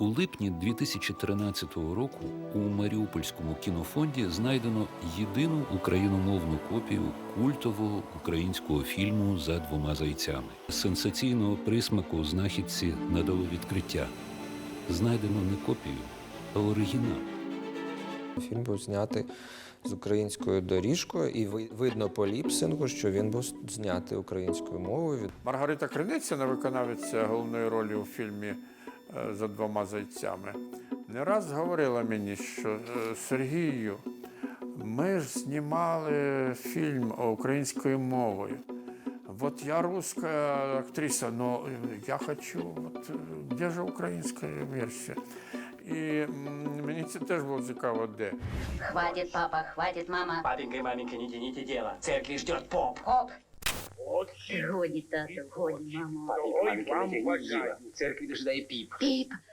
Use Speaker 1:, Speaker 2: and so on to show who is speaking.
Speaker 1: У липні 2013 року у Маріупольському кінофонді знайдено єдину україномовну копію культового українського фільму «За двома зайцями». Сенсаційного присмаку знахідці надало відкриття. Знайдено не копію, а оригінал.
Speaker 2: Фільм був знятий з українською доріжкою, і видно по ліпсингу, що він був знятий українською мовою.
Speaker 3: Маргарита Криницина, виконавиця головної ролі у фільмі «За двома зайцями», не раз говорила мені, що Сергію, ми ж знімали фільм українською мовою. Вот я русская актриса, но я хочу, вот, де ж українська версія? І мені це теж було цікаво, де.
Speaker 4: Хватит, папа, хватит, мама.
Speaker 5: Папенька и маменька, не тяните дело. Церкви ждет поп.
Speaker 4: Хоп. Годі, тату, годі, мамо.
Speaker 5: Папенька, маменька, не тяните дело. Церкви дожидает пип.
Speaker 4: Піп.